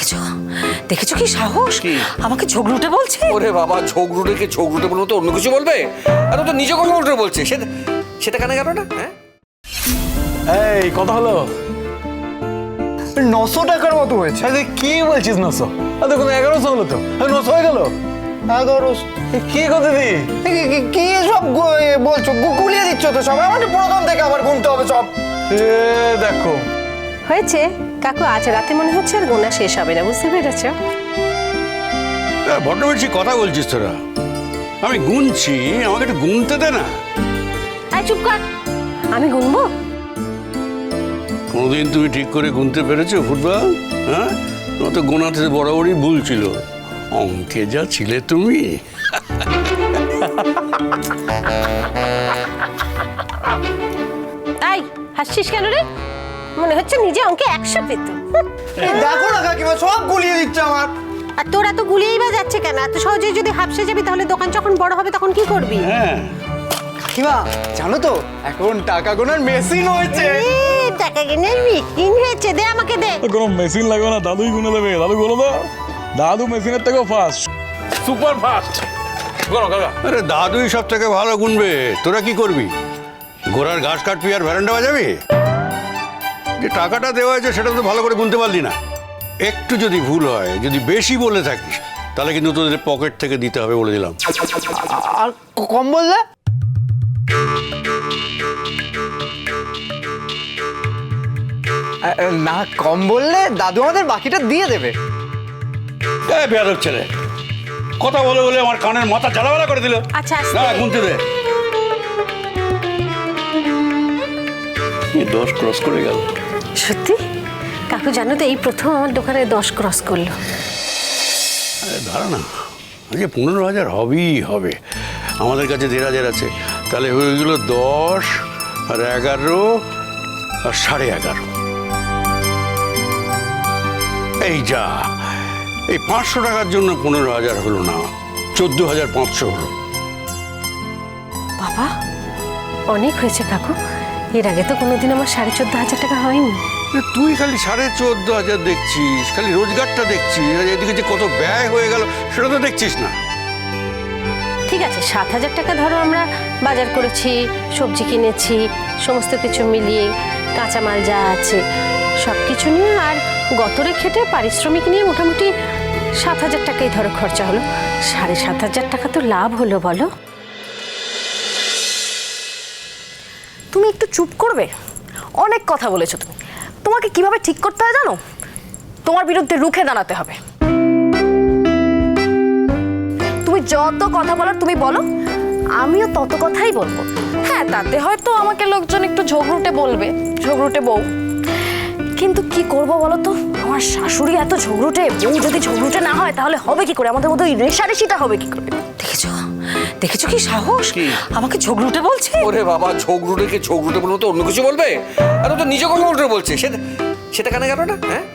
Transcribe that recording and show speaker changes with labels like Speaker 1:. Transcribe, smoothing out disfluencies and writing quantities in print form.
Speaker 1: দেখেছো দেখেছো কি সাহস, আমাকে ঝগড়ুটে বলছে।
Speaker 2: ওরে বাবা, ঝগড়ুটেকে ঝগড়ুটে বলবো তো অন্য কিছু বলবে? আর ও তো নিজে কথা উল্টো বলছে, সেটা কেন গেল না? হ্যাঁ,
Speaker 3: এই কথা হলো
Speaker 4: 900 টাকার মতো হয়েছে।
Speaker 3: আরে কি বলছিস 900? দেখুন 1100 হলো তো। 900 হয়ে গেল।
Speaker 4: 1100
Speaker 3: কি কথা দি?
Speaker 4: কি সব বলছো? গুলিয়ে দিচ্ছ তো সব। আমাকে প্রথম থেকে আবার গুনতে হবে সব।
Speaker 3: দেখো
Speaker 1: হয়েছে কাকু, আজ রাতে মনে হচ্ছে আর গোনা শেষ হবে না, বুঝতে পেরেছো?
Speaker 5: বড্ড বেশি কথা বলছিস তোরা। আমি গুনছি, আমাকে একটু গুনতে দে না।
Speaker 1: আয় চুপ কর, আমি গুনবো?
Speaker 5: কোনোদিন তুমি ঠিক করে গুনতে পেরেছো ফুটবল? হ্যাঁ, তোমার তো গোনাতে বরাবরই ভুল ছিল। অঙ্কে যা ছিলে তুমি।
Speaker 1: তাই হাসছিস কেন রে? মনে হচ্ছে নিজে অঙ্কে 100 পেত।
Speaker 4: দেখো না কাকিমা, সব গুলিয়ে দিচ্ছে আমার।
Speaker 1: আর তোরা তো গুলিয়েই বা যাচ্ছে কেন? এত সহজে যদি হাফসে যাবি তাহলে দোকান যখন বড় হবে তখন কি করবি?
Speaker 5: হ্যাঁ,
Speaker 4: কাকিমা জানো তো এখন টাকা গোনার মেশিন হয়েছে।
Speaker 1: টাকা কিনে মেশিন হয়েছে, দে আমাকে দে।
Speaker 3: কোনো মেশিন লাগবে না, দাদুই গুনে দেবে। দাদু গুনে দাও। দাদু মেশিনের থেকেও ফাস্ট, সুপার ফাস্ট। গুনো কাকা।
Speaker 5: আরে দাদুই সব থেকে ভালো গুনবে। তোরা কি করবি? ঘোড়ার ঘাস কাটবি আর ভ্যারান্ডা বাজাবি? যে টাকাটা দেওয়া হয়েছে সেটা তো ভালো করে গুনতে পারলি না। একটু যদি ভুল হয়, যদি বেশি বলে থাকিস, তাহলে কিন্তু তোদের পকেট থেকে দিতে হবে বলে দিলাম।
Speaker 4: আর কম বললে? না, কম বললে দাদু আমাদের বাকিটা দিয়ে দেবে।
Speaker 5: বেয়াদব ছেলে, কথা বলে বলে আমার কানের মাথা জ্বালাবালা করে দিল।
Speaker 1: আচ্ছা, আস্তে।
Speaker 5: না, গুনতে দে। 10 ক্রস করে গেল।
Speaker 1: সত্যি কাকু, জানো তো এই প্রথম আমার দোকানে 10 ক্রস করলো।
Speaker 5: আরে দাঁড়া না, আজকে 15,000 হবেই হবে। আমাদের কাছে 1,500 আছে, তাহলে হয়ে গেল 10 আর 11 আর 11.5। এই যা, এই 500 টাকার জন্য 15,000 হলো না, 14,500 হলো।
Speaker 1: বাবা, অনেক হয়েছে কাকু। এর আগে তো কোনোদিন আমার 14,500 টাকা হয়নি।
Speaker 5: তুই খালি 14,500 দেখছিস, খালি রোজগারটা দেখছিস, আর এদিকে যে কত ব্যয় হয়ে গেল সেটা তো দেখছিস না।
Speaker 1: ঠিক আছে, 7,000 টাকা ধরো আমরা বাজার করেছি, সবজি কিনেছি, সমস্ত কিছু মিলিয়ে কাঁচামাল যা আছে সব কিছু নিয়ে, আর গতরে খেটে পারিশ্রমিক নিয়ে মোটামুটি 7,000 টাকাই ধরো খরচা হলো। 7,500 টাকা তো লাভ হলো বলো?
Speaker 6: তুমি একটু চুপ করবে? অনেক কথা বলেছো তুমি। তোমাকে কিভাবে ঠিক করতে হয় জানো? তোমার বিরুদ্ধে রুখে দাঁড়াতে হবে। তুমি যত কথা বলার তুমি বলো, আমিও তত কথাই বলবো। হ্যাঁ, তাতে হয়তো আমাকে লোকজন একটু ঝগড়ুটে বলবে, ঝগড়ুটে বউ। কিন্তু কি করব বলো তো, আমার শাশুড়ি এত ঝগড়ুটে। বউ যদি ঝগড়ুটে না হয় তাহলে হবে কি করে? আমাদের মধ্যে ওই রেষারেষিটা হবে কি করে?
Speaker 1: দেখেছো দেখেছো কি সাহস, আমাকে ঝগড়ুটে বলছে।
Speaker 2: ওরে বাবা, ঝগড়ুটেকে ঝগড়ুটে বলবো তো অন্য কিছু বলবে? আর ও তো নিজে কথা উল্টো বলছে, সেটা কেন গেল না? হ্যাঁ,